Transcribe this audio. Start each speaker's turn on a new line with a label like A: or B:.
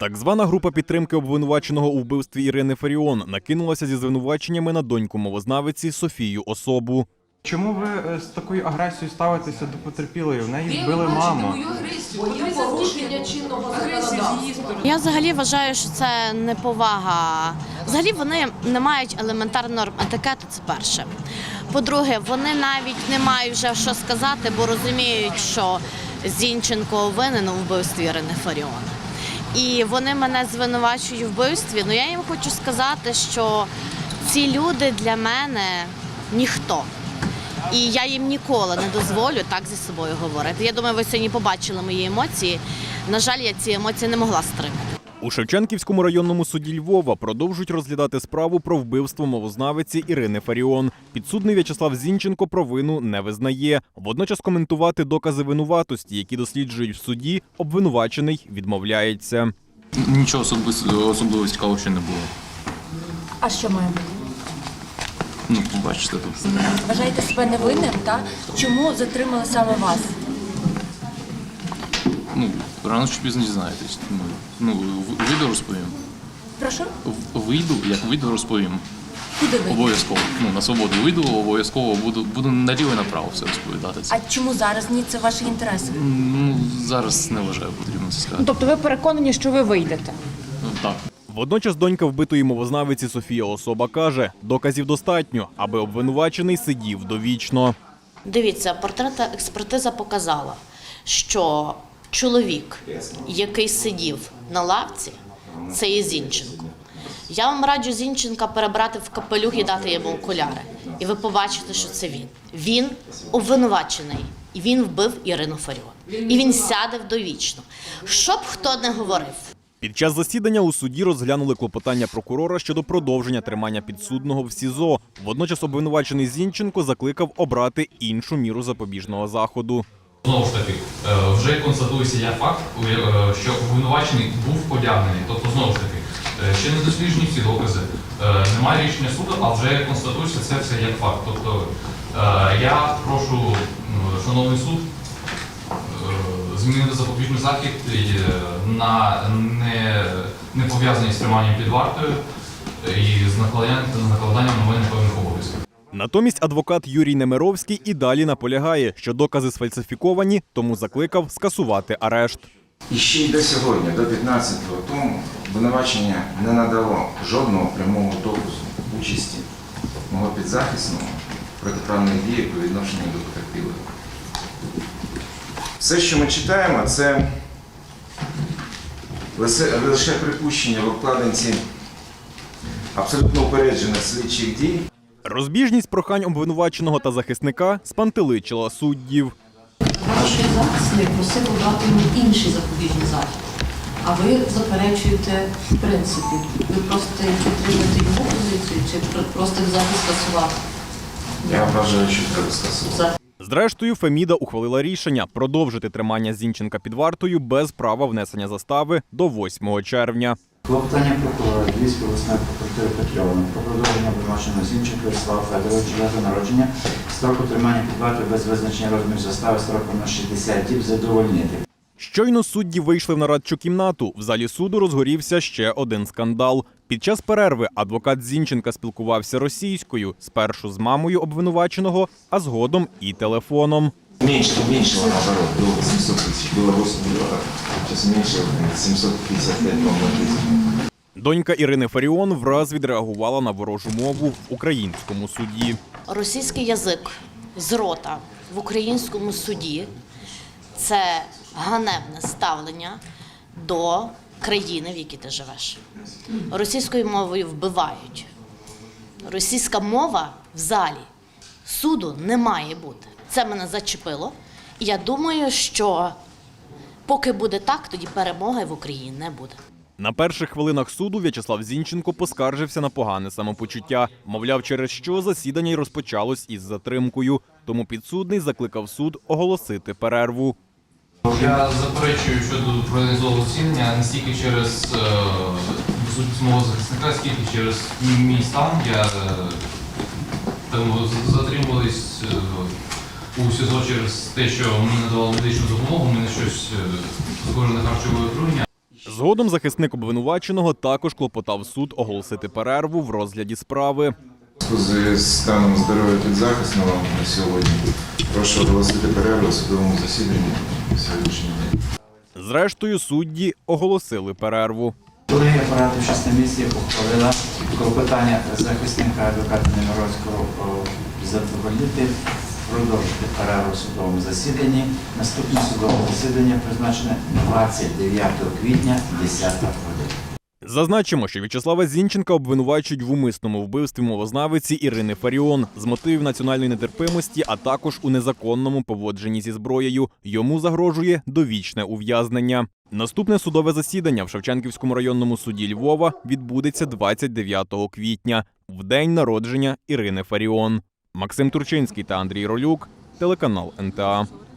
A: Так звана група підтримки обвинуваченого у вбивстві Ірини Фаріон накинулася зі звинуваченнями на доньку мовознавиці Софію Особу.
B: Чому ви з такою агресією ставитеся до потерпілої? В неї вбили маму.
C: Я взагалі вважаю, що це неповага. Взагалі вони не мають елементарних норм етикету, це перше. По-друге, вони навіть не мають вже що сказати, бо розуміють, що Зінченко винен у вбивстві Ірини Фаріон. І вони мене звинувачують у вбивстві. Ну я їм хочу сказати, що ці люди для мене ніхто. І я їм ніколи не дозволю так зі собою говорити. Я думаю, ви сьогодні побачили мої емоції. На жаль, я ці емоції не могла стримати.
A: У Шевченківському районному суді Львова продовжують розглядати справу про вбивство мовознавиці Ірини Фаріон. Підсудний В'ячеслав Зінченко провину не визнає. Водночас коментувати докази винуватості, які досліджують в суді, обвинувачений відмовляється.
D: Нічого особливо цікавого ще не було.
E: А що має бути?
D: Ну, побачите тут.
E: Вважаєте себе невинним, так? Чому затримали саме вас?
D: Ну, рано чи пізно дізнаєтесь. Ну, вийду, розповім.
E: Прошу?
D: Вийду, як вийду, розповім.
E: Куди ви?
D: Обов'язково. Ну, на свободу вийду, обов'язково буду наліво і направо все розповідати.
E: А чому зараз? Ні, це ваші інтереси.
D: Ну, зараз не вважаю, потрібно це сказати.
F: Тобто ви переконані, що ви вийдете?
D: Ну, так.
A: Водночас донька вбитої мовознавиці Софія Особа каже, доказів достатньо, аби обвинувачений сидів довічно.
C: Дивіться, портретна експертиза показала, що чоловік, який сидів на лавці, це є Зінченко. Я вам раджу Зінченка перебрати в капелюх і дати йому окуляри. І ви побачите, що це він. Він обвинувачений. І він вбив Ірину Фаріон. І він сяде довічно. Що б хто не говорив.
A: Під час засідання у суді розглянули клопотання прокурора щодо продовження тримання підсудного в СІЗО. Водночас обвинувачений Зінченко закликав обрати іншу міру запобіжного заходу.
G: Знову ж таки, вже констатується як факт, що обвинувачений був одягнений. Тобто, знову ж таки, ще не досліджені всі докази, немає рішення суду, а вже констатується це все як факт. Тобто, я прошу, шановний суд, змінити запобіжний захід на не пов'язаний з триманням під вартою і з накладанням на мене певних обов'язків.
A: Натомість адвокат Юрій Немировський і далі наполягає, що докази сфальсифіковані, тому закликав скасувати арешт.
H: І ще й до сьогодні, до 15-го тому, обвинувачення не надало жодного прямого доказу участі мого підзахисного в протиправних діях по відношенню до потерпілих. Все, що ми читаємо, це лише припущення в обкладинці абсолютно упереджених слідчих дій.
A: Розбіжність прохань обвинуваченого та захисника спантеличила суддів.
I: Ваш захисник просив обрати інший запобіжний захід, а ви заперечуєте в принципі. Ви просто підтримуєте його позицію чи просто захист скасувати?
H: Я вважаю, що треба скасувати.
A: Зрештою, Феміда ухвалила рішення продовжити тримання Зінченка під вартою без права внесення застави до 8 червня.
J: Клопотання прокурора Львівської обласної прокуратури Петрьовна про продовження обвинуваченого Зінченка В'ячеслава Федоровича дати народження, строку тримання під вартою без визначення розміру застави строком на 60 діб задовольнити.
A: Щойно судді вийшли в нарадчу кімнату. В залі суду розгорівся ще один скандал. Під час перерви адвокат Зінченка спілкувався російською, спершу з мамою обвинуваченого, а згодом і телефоном.
H: Меньше наоборот, было 700 тысяч, было 8 миллионов, сейчас меньше 755 помножить.
A: Донька Ірини Фаріон враз відреагувала на ворожу мову в українському суді.
C: Російський язик з рота в українському суді – це ганебне ставлення до країни, в якій ти живеш. Російською мовою вбивають. Російська мова в залі суду не має бути. Це мене зачепило. І я думаю, що поки буде так, тоді перемоги в Україні не буде.
A: На перших хвилинах суду В'ячеслав Зінченко поскаржився на погане самопочуття. Мовляв, через що засідання й розпочалось із затримкою. Тому підсудний закликав суд оголосити перерву.
G: Я заперечую щодо проведення засідання не стільки через відсутність мого захисника, скільки через мій стан. Я затримувались у СІЗО через те, що мені надавали медичну допомогу, у мене щось схоже на харчове отруєння.
A: Згодом захисник обвинуваченого також клопотав суд оголосити перерву в розгляді справи.
H: У зв'язку з станом здоров'я підзахисного на сьогодні прошу оголосити перерву у судовому засіданні на сьогоднішній день.
A: Зрештою, судді оголосили перерву.
J: Колегія апарату 6 місяців ухвалила клопотання захисника адвоката Немировського задовольнити, продовжити перерву в судовому засіданні. Наступне судове засідання призначене 29 квітня 10 година.
A: Зазначимо, що В'ячеслава Зінченка обвинувачують в умисному вбивстві мовознавиці Ірини Фаріон з мотивів національної нетерпимості, а також у незаконному поводженні зі зброєю. Йому загрожує довічне ув'язнення. Наступне судове засідання в Шевченківському районному суді Львова відбудеться 29 квітня, в день народження Ірини Фаріон. Максим Турчинський та Андрій Ролюк, телеканал НТА.